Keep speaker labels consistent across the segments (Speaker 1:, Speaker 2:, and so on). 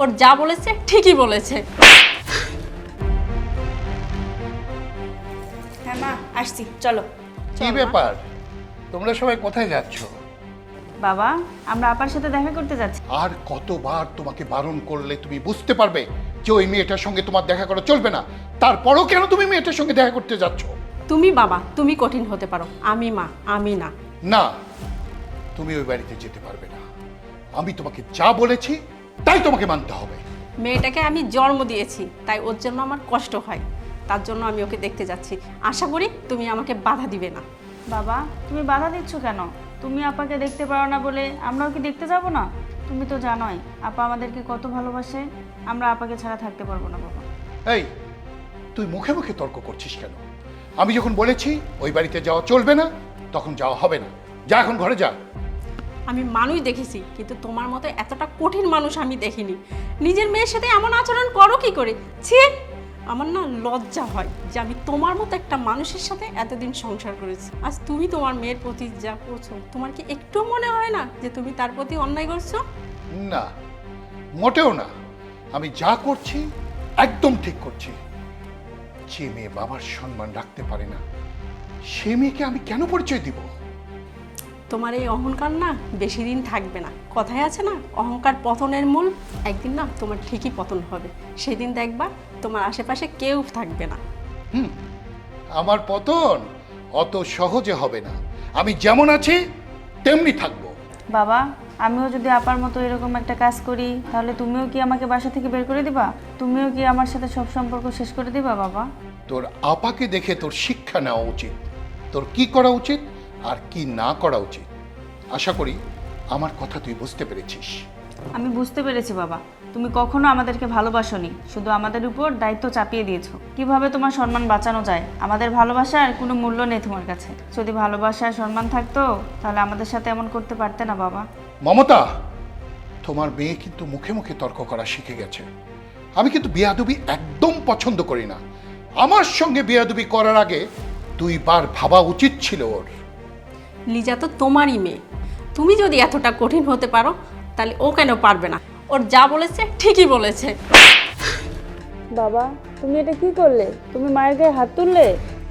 Speaker 1: ওর যা বলেছে ঠিকই বলেছে।
Speaker 2: হ্যাঁ মা, আসছি, চলো।
Speaker 3: কি ব্যাপার, তোমরা সবাই কোথায় যাচ্ছ?
Speaker 2: বাবা, আমরা আপার সাথে দেখা করতে যাচ্ছি।
Speaker 3: আর কতবার তোমাকে বারণ করলে তুমি বুঝতে পারবে যে ওই মেয়েটার সঙ্গে তোমার দেখা করা চলবে না? তারপরও কেন তুমি মেয়েটার সঙ্গে দেখা করতে যাচ্ছ?
Speaker 1: তুমি বাবা, তুমি কঠিন হতে পারো, আমি মা, আমি না।
Speaker 3: না, তুমি ওই বাড়িতে যেতে পারবে না। আমি তোমাকে যা বলেছি তাই তোমাকে মানতে হবে।
Speaker 1: মেয়েটাকে আমি জন্ম দিয়েছি, তাই ওর জন্য আমার কষ্ট হয়, তার জন্য আমি ওকে দেখতে যাচ্ছি। আশা করি তুমি আমাকে বাধা দিবে না।
Speaker 2: বাবা, তুমি বাধা দিচ্ছ কেন? তুমি আপাকে দেখতে পারো না বলে আমরাও কি দেখতে যাব না? তুমি তো জানোই আপা আমাদেরকে কত ভালোবাসে। আমরা আপাকে ছাড়া থাকতে পারবো না বাবা।
Speaker 3: এই, তুই মুখে মুখে তর্ক করছিস কেন? আমি যখন বলেছি ওই বাড়িতে যাওয়া চলবে না, তখন যাওয়া হবে না। যা, এখন ঘরে যা।
Speaker 1: আমি মানুষ দেখেছি, কিন্তু তোমার মতো এতটা কঠিন মানুষ আমি দেখিনি। নিজের মেয়ের সাথে এমন আচরণ করো কি করে? ছি, আমার না লজ্জা হয় যে আমি তোমার মতো একটা মানুষের সাথে এতদিন সংসার করেছি। আজ তুমি তোমার মেয়ের প্রতি যা করছো, তোমার কি একটু মনে হয় না যে তুমি তার প্রতি অন্যায় করছো?
Speaker 3: না, মোটেও না। আমি যা করছি একদম ঠিক করছি। যে মেয়ে বাবার সম্মান রাখতে পারে না, সে মেয়েকে আমি কেন পরিচয় দিব?
Speaker 1: তোমার এই অহংকার না বেশি দিন থাকবে না। কথায় আছে না, অহংকার পতনের মূল। একদিন না তোমার ঠিকই পতন হবে, সেদিন দেখবা তোমার আশেপাশে কেউ থাকবে না।
Speaker 3: আমার পতন অত সহজে হবে না। আমি যেমন আছি তেমনি থাকবো।
Speaker 2: বাবা, আমিও যদি আপার মতো এরকম একটা কাজ করি, তাহলে তুমিও কি আমাকে বাসা থেকে বের করে দিবা? তুমিও কি আমার সাথে সব সম্পর্ক শেষ করে দিবা বাবা?
Speaker 3: তোর আপাকে দেখে তোর শিক্ষা নেওয়া উচিত, তোর কি করা উচিত আর কি না করা উচিত। আশা করি আমার কথা তুই বুঝতে পেরেছিস।
Speaker 2: আমি বুঝতে পেরেছি বাবা, তুমি কখনো আমাদেরকে ভালোবাসোনি, শুধু আমাদের উপর দায়িত্ব চাপিয়ে দিয়েছো। কিভাবে তোমার সম্মান বাঁচানো যায়? আমাদের ভালোবাসার কোনো মূল্য নেই তোমার কাছে। যদি ভালোবাসা আর সম্মান থাকতো, তাহলে আমাদের সাথে এমন করতে পারতে না বাবা।
Speaker 3: মমতা, তোমার মেয়ে কিন্তু মুখে মুখে তর্ক করা শিখে গেছে। আমি কিন্তু বেয়াদবি একদম পছন্দ করি না। আমার সঙ্গে বেয়াদবি করার আগে 2 বার ভাবা উচিত ছিল ওর।
Speaker 1: লিজা তো তোমারই মেয়ে, তুমি যদি এতটা কঠিন হতে পারো, তাহলে ও কেন পারবে না? ওর যা বলেছে ঠিকই বলেছে।
Speaker 2: বাবা, তুমি এটা কি করলে? তুমি মায়ের গায়ে হাত তুললে?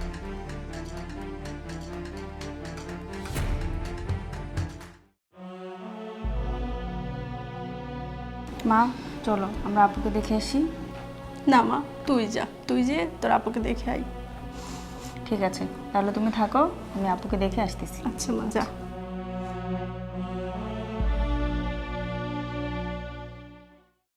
Speaker 2: মা, চলো আমরা আপুকে দেখে আসি।
Speaker 1: না মা, তুই যা, তুই যে তোর আপুকে দেখে আই।
Speaker 2: ঠিক আছে, তাহলে তুমি থাকো, আমি আপুকে দেখে আসতেছি।
Speaker 1: আচ্ছা মা, যা।